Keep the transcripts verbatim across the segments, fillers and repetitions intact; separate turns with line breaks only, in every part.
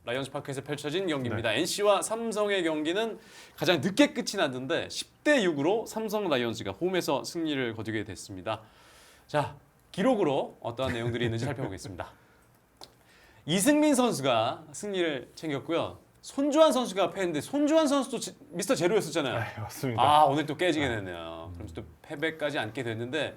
라이온즈 파크에서 펼쳐진 경기입니다. 네. 엔씨와 삼성의 경기는 가장 늦게 끝이 났는데 십 대 육으로 삼성 라이온즈가 홈에서 승리를 거두게 됐습니다. 자, 기록으로 어떠한 내용들이 있는지 살펴보겠습니다. 이승민 선수가 승리를 챙겼고요. 손주환 선수가 패했는데 손주환 선수도 지, 미스터 제로였었잖아요.
네, 맞습니다.
아, 오늘 또 깨지게 됐네요. 그럼 또 패배까지 안게 됐는데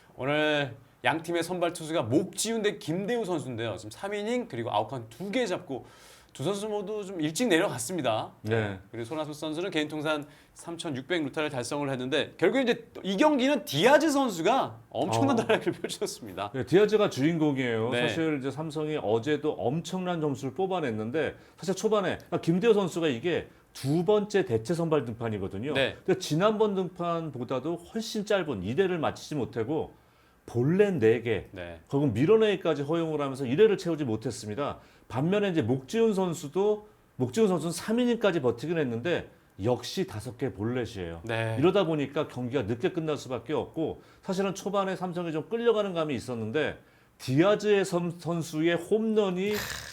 오늘 양 팀의 선발 투수가 목지훈 대 김대우 선수인데요. 지금 삼 이닝 그리고 아웃카운트 두 개 잡고 두 선수 모두 좀 일찍 내려갔습니다.
네.
그리고 손아섭 선수는 개인 통산 삼천육백 루타를 달성을 했는데 결국 이제 이 경기는 디아즈 선수가 엄청난
어.
활약을 펼쳤습니다.
네, 디아즈가 주인공이에요.
네.
사실 이제 삼성이 어제도 엄청난 점수를 뽑아냈는데 사실 초반에 김대호 선수가 이게 두 번째 대체 선발 등판이거든요.
네.
근데 지난번 등판보다도 훨씬 짧은 이 회를 마치지 못하고 볼넷 네 개,
네.
결국 밀어내기까지 허용을 하면서 일 회를 채우지 못했습니다. 반면에 이제 목지훈 선수도 목지훈 선수는 삼 이닝까지 버티긴 했는데 역시 다섯 개 볼넷이에요.
네.
이러다 보니까 경기가 늦게 끝날 수밖에 없고 사실은 초반에 삼성이 좀 끌려가는 감이 있었는데 디아즈의 선, 선수의 홈런이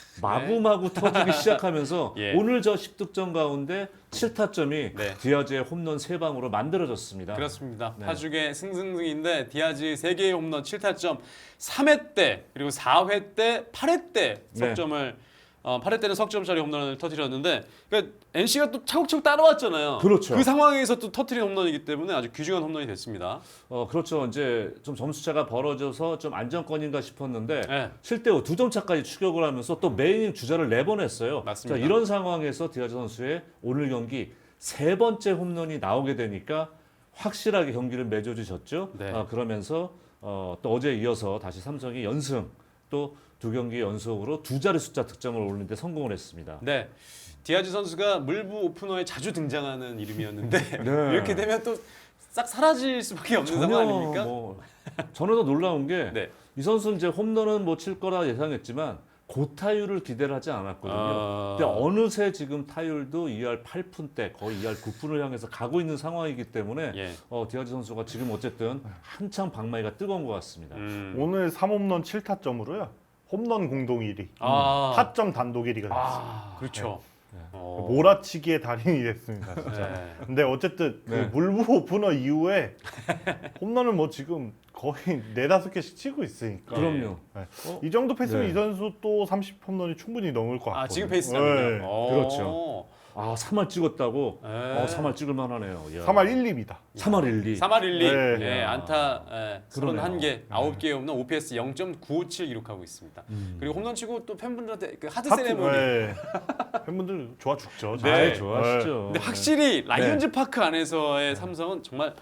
마구마구 터지기 시작하면서
예.
오늘 저 십 득점 가운데 칠 타점이
네.
디아즈의 홈런 세 방으로 만들어졌습니다.
그렇습니다.
네.
파죽의 승승승인데 디아즈 세 개의 홈런 칠 타점 삼 회 때 그리고 사 회 때 팔 회 때 석점을 어, 팔 회 때는 석점짜리 홈런을 터뜨렸는데 그러니까 엔씨가 또 차곡차곡 따라왔잖아요.
그렇죠.
그 상황에서 또 터뜨린 홈런이기 때문에 아주 귀중한 홈런이 됐습니다.
어 그렇죠. 이제 좀 점수차가 벌어져서 좀 안정권인가 싶었는데
네.
칠 대 오 두 점 차까지 추격을 하면서 또 메인 주자를 내보냈어요.
맞습니다.
자, 이런 상황에서 디아즈 선수의 오늘 경기 세 번째 홈런이 나오게 되니까 확실하게 경기를 맺어주셨죠.
네.
아, 그러면서 어, 또 어제 이어서 다시 삼성이 연승 또 두 경기 연속으로 두 자리 숫자 득점을 올리는데 성공을 했습니다.
네. 디아즈 선수가 물부 오프너에 자주 등장하는 이름이었는데
네.
이렇게 되면 또 싹 사라질 수밖에 없는 상황 아닙니까?
뭐 저는 더 놀라운 게 이
네.
선수는 이제 홈런은 뭐 칠 거라 예상했지만 고타율을 기대를 하지 않았거든요.
아...
근데 어느새 지금 타율도 이 할 팔 푼대 거의 이 할 구 푼을 향해서 가고 있는 상황이기 때문에
예.
어, 디아즈 선수가 지금 어쨌든 한창 방망이가 뜨거운 것 같습니다.
음.
오늘 삼 홈런 칠 타점으로요. 홈런 공동 일 위,
아.
타점 단독 일 위가 됐습니다.
아, 그렇죠. 어.
몰아치기의 달인이 됐습니다, 진짜.
네.
근데 어쨌든 그
네.
물부 오프너 이후에 홈런을 뭐 지금 거의 네다섯 개씩 치고 있으니까.
그럼요.
네.
어?
이 정도 페이스면
네.
이 선수 또 삼십 홈런이 충분히 넘을 것 같아요.
아, 지금 페이스라면요?
네.
어.
그렇죠. 아 삼 할 찍었다고?
네.
어, 삼 할 찍을 만하네요. 이야.
삼 할 일 리입니다.
삼 할 일 리.
삼 할 일 리.
네.
예, 안타 예,
그러네요.
서른한 개, 아홉 개의 홈런, 오피에스 영 점 구오칠 기록하고 있습니다.
음.
그리고 홈런 치고 또 팬분들한테 그 하드
하트,
세레모니.
네. 팬분들 좋아 죽죠.
네.
아, 좋아하시죠.
근데 확실히 라이온즈
네.
파크 안에서의 삼성은 정말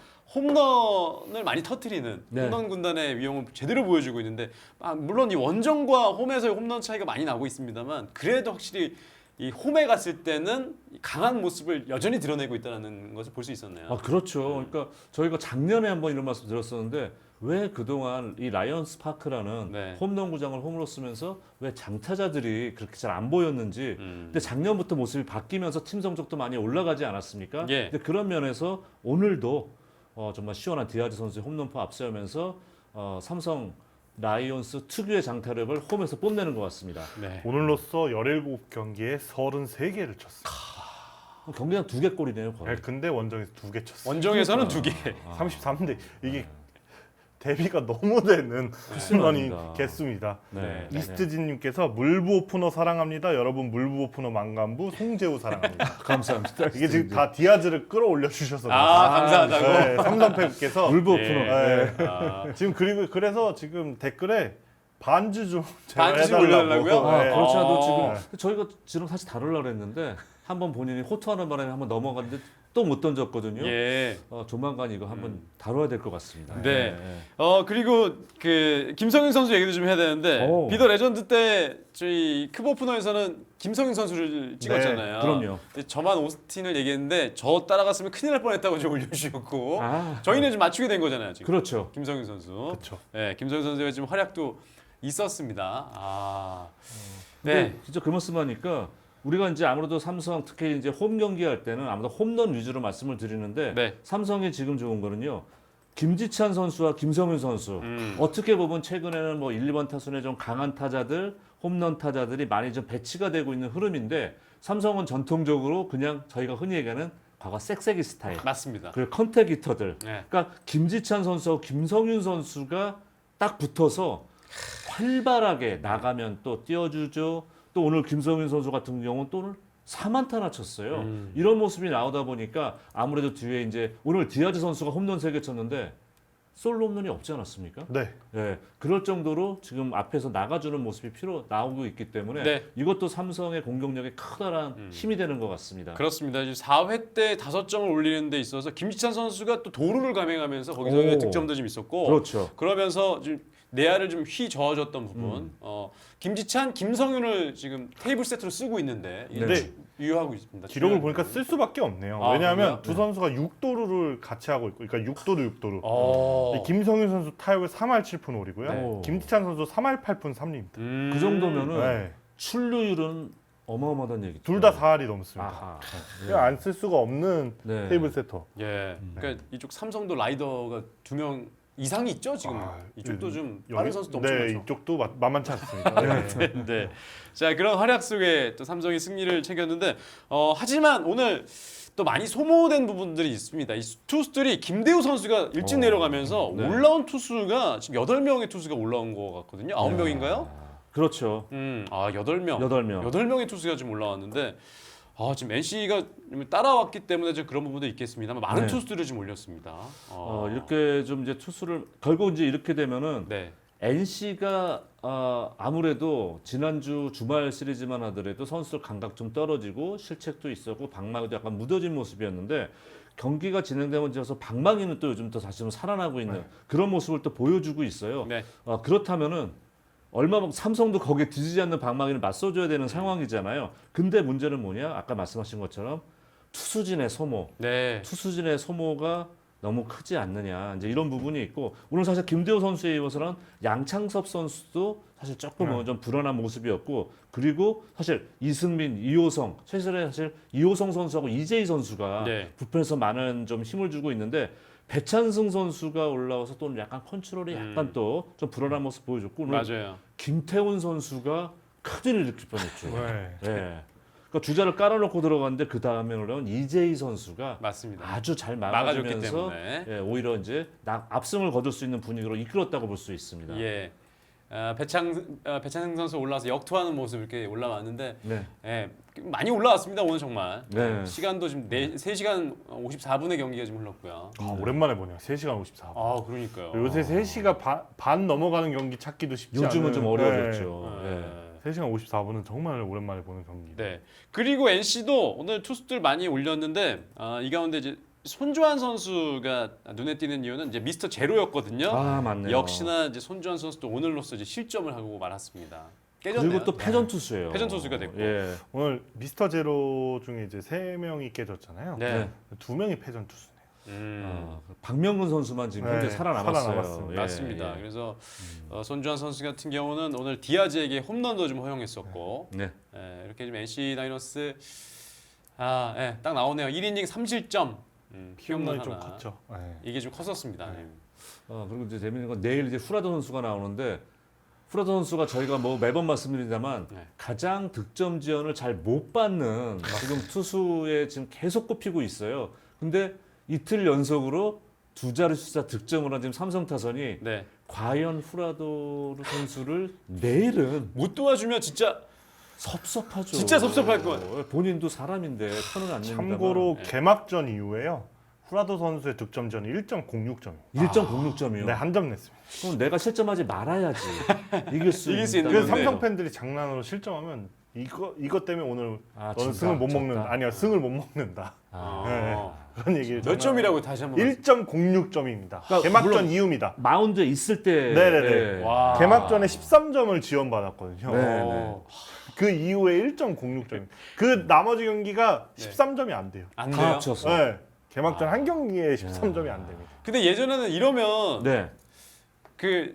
홈런을 많이 터트리는
네.
홈런 군단의 위용을 제대로 보여주고 있는데 아, 물론 이 원정과 홈에서의 홈런 차이가 많이 나고 있습니다만 그래도 확실히 이 홈에 갔을 때는 강한 모습을 여전히 드러내고 있다는 것을 볼 수 있었네요.
아 그렇죠. 그러니까 저희가 작년에 한번 이런 말씀 드렸었는데 왜 그동안 이 라이언스 파크라는
네.
홈런 구장을 홈으로 쓰면서 왜 장타자들이 그렇게 잘 안 보였는지.
음.
근데 작년부터 모습이 바뀌면서 팀 성적도 많이 올라가지 않았습니까?
예.
근데 그런 면에서 오늘도 어, 정말 시원한 디아즈 선수의 홈런포 앞세우면서 어, 삼성 라이온스 특유의 장타력을 홈에서 뽐내는 것 같습니다.
네.
오늘로써 열일곱 경기에 서른세 개를 쳤어요.
경기장 두 개 골이네요, 거의.
네, 근데 원정에서 두 개 쳤어요.
원정에서는 두 개.
삼십삼 대 이게 대비가 너무 되는 홈런이
맞습니다.
개수입니다.
네.
이스트진님께서 물부 오프너 사랑합니다. 여러분 물부 오프너 만감부 송재우 사랑합니다.
감사합니다.
이게 지금 다 디아즈를 끌어올려 주셔서
아, 감사하다고.
네, 삼성팬께서
물부
예.
오프너.
네.
아,
지금 그리고 그래서 지금 댓글에 반주 좀
반주 좀
해달라고.
올려달라고요?
아,
네.
그렇지 않아도
어.
지금 저희가 지금 사실 다루려고 했는데 한번 본인이 호투하는 바람에 한번 넘어갔는데 또 못 던졌거든요.
예.
어, 조만간 이거 한번 다뤄야 될 것 같습니다.
네.
네.
어 그리고 그 김성윤 선수 얘기도 좀 해야 되는데
오.
비더 레전드 때 저희 크보프너에서는 김성윤 선수를 찍었잖아요.
네, 그럼요.
근데 저만 오스틴을 얘기했는데 저 따라갔으면 큰일 날 뻔했다고 좀 올려주셨고
아,
저희는 좀 맞추게 된 거잖아요 지금.
그렇죠.
김성윤 선수.
그렇죠.
네, 김성윤 선수의 지금 활약도 있었습니다. 아,
네.
네,
진짜 그 말씀하니까 우리가 이제 아무래도 삼성 특히 이제 홈 경기 할 때는 아무래도 홈런 위주로 말씀을 드리는데
네.
삼성이 지금 좋은 거는요. 김지찬 선수와 김성윤 선수
음.
어떻게 보면 최근에는 뭐 일, 이 번 타순에 좀 강한 타자들 홈런 타자들이 많이 좀 배치가 되고 있는 흐름인데 삼성은 전통적으로 그냥 저희가 흔히 얘기하는 과거 쌕쌕이 스타일
맞습니다.
그리고 컨택 히터들
네.
그러니까 김지찬 선수와 김성윤 선수가 딱 붙어서 활발하게 나가면 또 띄워주죠. 또 오늘 김성윤 선수 같은 경우는 또 오늘 사안타나 쳤어요.
음.
이런 모습이 나오다 보니까 아무래도 뒤에 이제 오늘 디아즈 선수가 홈런 세 개 쳤는데 솔로 홈런이 없지 않았습니까?
네.
예, 그럴 정도로 지금 앞에서 나가주는 모습이 필요 나오고 있기 때문에
네.
이것도 삼성의 공격력에 커다란
음.
힘이 되는 것 같습니다.
그렇습니다. 이제 사 회 때 다섯 점을 올리는 데 있어서 김지찬 선수가 또 도루를 감행하면서 거기서
오.
득점도 좀 있었고
그렇죠.
그러면서 좀 내야를 좀 휘 저어줬던 부분.
음.
어, 김지찬, 김성윤을 지금 테이블 세트로 쓰고 있는데 이게
네.
주- 유효하고 있습니다.
기록을
중요한
보니까
부분.
쓸 수밖에 없네요.
아,
왜냐하면
그래요?
두 선수가 육 도루를 같이 하고 있고, 그러니까 육 도루 육 도루.
어.
김성윤 선수 타격을 삼 할 칠 푼 오 리고요.
네.
김지찬 선수 삼 할 팔 푼 삼 리입니다.
음.
그 정도면은
네.
출루율은 어마어마하다는 얘기죠.
둘 다 사 할이 넘습니다.
아하.
그냥 안 쓸 수가 없는
네.
테이블 세터.
예. 그러니까 이쪽 삼성도 라이더가 두 명 이상이 있죠 지금.
아,
이쪽도
그,
좀
여기-
빠른 선수도 엄청
네,
많죠.
이쪽도 마- 만만치 않습니다. 네.
네. 자 그런 활약 속에 또 삼성이 승리를 챙겼는데 어, 하지만 오늘 또 많이 소모된 부분들이 있습니다. 이 투수들이 김대우 선수가 일찍
어,
내려가면서
네.
올라온 투수가 지금 여덟 명의 투수가 올라온 것 같거든요. 아홉 명인가요?
그렇죠.
음, 아 여덟 명.
여덟 명.
여덟 명의 투수가 지금 올라왔는데 아, 지금 엔씨가 따라왔기 때문에 좀 그런 부분도 있겠습니다만 많은
네.
투수들을 지금 올렸습니다. 어,
어, 이렇게 좀 이제 투수를 결국 이제 이렇게 되면은
네.
엔씨가 어, 아무래도 지난주 주말 시리즈만 하더라도 선수들 감각 좀 떨어지고 실책도 있었고 방망이도 약간 무뎌진 모습이었는데 경기가 진행되면서 방망이는 또 요즘 또 다시 좀 살아나고 있는
네.
그런 모습을 또 보여주고 있어요.
네.
어, 그렇다면은 얼마 만 삼성도 거기에 뒤지지 않는 방망이를 맞서줘야 되는 상황이잖아요. 근데 문제는 뭐냐? 아까 말씀하신 것처럼 투수진의 소모,
네.
투수진의 소모가 너무 크지 않느냐 이제 이런 부분이 있고 오늘 사실 김대호 선수에 이어서는 양창섭 선수도 사실 조금
네.
좀 불안한 모습이었고 그리고 사실 이승민, 이호성 최근에 사실 이호성 선수하고 이재희 선수가
네.
부편에서 많은 좀 힘을 주고 있는데 배찬승 선수가 올라와서 또 약간 컨트롤이
음.
약간 또 좀 불안한 모습 보여줬고 오늘
맞아요.
김태훈 선수가 큰일을 일으킬 뻔했죠.
네.
예. 그러니까 주자를 깔아놓고 들어갔는데 그 다음에 올라온 이재희 선수가
맞습니다.
아주 잘
막아줬기
막아주면서
때문에.
예, 오히려 이제 나- 압승을 거둘 수 있는 분위기로 이끌었다고 볼 수 있습니다.
예. 아, 배창 아, 배창승 선수 올라와서 역투하는 모습 이렇게 올라왔는데
네.
예, 많이 올라왔습니다 오늘 정말.
네.
시간도 지금 네, 세 시간 오십사 분의 경기가 지금 흘렀고요.
아, 오랜만에 보네요. 세 시간 오십사 분.
아 그러니까요.
요새 세 시가 반, 반 넘어가는 경기 찾기도 쉽지 않은.
요즘은 좀 어려워졌죠.
네.
예.
세 시간 오십사 분은 정말 오랜만에 보는 경기.
네. 그리고 엔씨도 오늘 투수들 많이 올렸는데 아, 이 가운데 이제 손주환 선수가 눈에 띄는 이유는 이제 미스터 제로였거든요.
아 맞네요.
역시나 이제 손주환 선수도 오늘로서 이제 실점을 하고 말았습니다. 깨졌네요.
그리고 또 패전 투수예요.
패전 투수가 됐고.
예.
오늘 미스터 제로 중에 이제 세 명이 깨졌잖아요.
네.
네.
두 명이 패전 투수네요.
음.
아, 박명근 선수만 지금
네,
현재 살아남았어요.
살아남았습니다.
예,
맞습니다.
예.
그래서 어, 손주환 선수 같은 경우는 오늘 디아즈에게 홈런도 좀 허용했었고
네.
예, 이렇게 좀 엔씨 다이노스 아, 예, 딱 나오네요. 일 이닝 삼 실점. 음,
홈런이
홈런
좀
하나.
컸죠. 네.
이게 좀 컸었습니다. 예.
어, 그리고 이제 재밌는 건 내일 이제 후라도 선수가 나오는데 후라도 선수가 저희가 뭐 매번 말씀드리자만
네.
가장 득점 지원을 잘 못 받는 지금 투수에 지금 계속 꼽히고 있어요. 근데 이틀 연속으로 두 자리 숫자 득점을 한 지금 삼성 타선이
네.
과연 후라도 선수를 내일은
못 도와주면 진짜
섭섭하죠.
진짜 섭섭할 것
본인도 사람인데 편은 안 냅니다만
참고로
네.
개막전 이후에요. 후라도 선수의 득점전이 일 점 공육 점입니다.
일 점 공육 점이요.
네, 한 점 냈습니다.
그럼 내가 실점하지 말아야지. 이길 수
이길 수
있다는
있는
그래서
건데.
삼성 팬들이 장난으로 실점하면 이거 이것 때문에 오늘
아,
너는
진짜?
승을 못
졌다?
먹는다. 아니야, 승을 못 먹는다.
아.
네. 그런 얘기를
몇 점이라고 다시 한번
일 점 공육 점입니다.
그러니까
개막전
물론
이후입니다.
마운드에 있을 때
네네네.
예.
와.
개막전에 십삼 점을 지원받았거든요.
네.
어,
그 이후에 일 점 공육 점. 그 나머지 경기가
네.
십삼 점이 안 돼요.
안
다
돼요.
합쳐서.
네. 개막전 한 경기에 십삼 점이 안 됩니다.
근데 예전에는 이러면
네.
그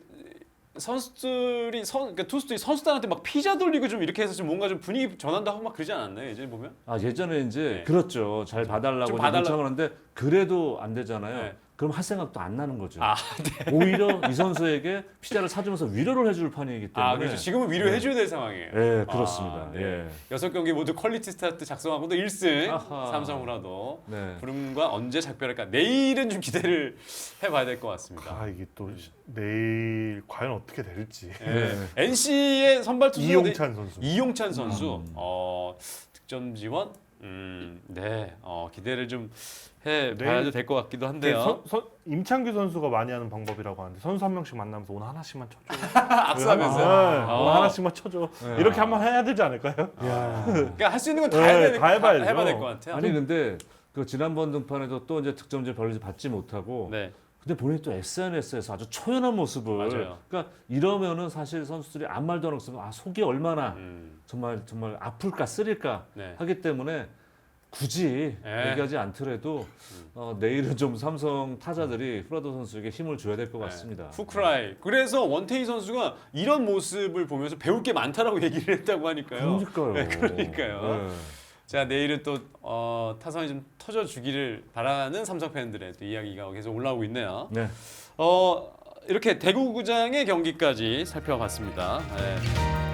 선수들이 선 그러니까 투수들이 선수단한테 막 피자 돌리고 좀 이렇게 해서 좀 뭔가 좀 분위기 전환도 하고 막 그러지 않았나요? 예전에 보면?
아 예전에 이제
네.
그렇죠. 잘 봐달라고
좀
이제
봐달라-
요청을 하는데 그래도 안 되잖아요.
네.
그럼 할 생각도 안 나는 거죠.
아,
오히려 이 선수에게 피자를 사주면서 위로를 해줄 판이기 때문에.
아 그렇죠. 지금은 위로해줘야 될 상황이에요.
네, 그렇습니다.
아, 네.
예.
여섯 경기 모두 퀄리티 스타트 작성하고도 일 승
아하.
삼성으로도
네.
부름과 언제 작별할까 내일은 좀 기대를 해봐야 될 것 같습니다.
아 이게 또 시- 내일 과연 어떻게 될지.
네. 엔씨의 선발 투수
이용찬 선수.
이용찬 선수
음.
어, 득점 지원 음, 네 어, 기대를 좀 해봐야
내일-
될 것 같기도
네,
한데요.
선, 선, 임창규 선수가 많이 하는 방법이라고 하는데 선수 한 명씩 만나면서 오늘 하나씩만 쳐줘.
악수하면서
네,
어.
오늘 하나씩만 쳐줘.
네.
이렇게 한번 해야 되지 않을까요?
그러니까 할 수 있는 건 다
네,
해야 될,
다 해봐야죠.
해봐야 될 것 같아요.
아니 근데 그 지난번 등판에도 또 이제 득점질 별로 받지 못하고
네.
근데 본인이 또 에스엔에스에서 아주 초연한 모습을
맞아요.
그러니까 이러면은 사실 선수들이 아무 말도 안 하고 아 속이 얼마나
음,
정말 정말 아플까 쓰릴까
네.
하기 때문에 굳이
네.
얘기하지 않더라도 어, 내일은 좀 삼성 타자들이 후라도 선수에게 힘을 줘야 될 것 같습니다.
네. 후크라이. 그래서 원태희 선수가 이런 모습을 보면서 배울 게 많다라고 얘기를 했다고 하니까요.
그러니까요.
네, 그러니까요.
네.
자 내일은 또 어, 타선이 좀 터져주기를 바라는 삼성 팬들의 또 이야기가 계속 올라오고 있네요.
네.
어, 이렇게 대구구장의 경기까지 살펴봤습니다. 네.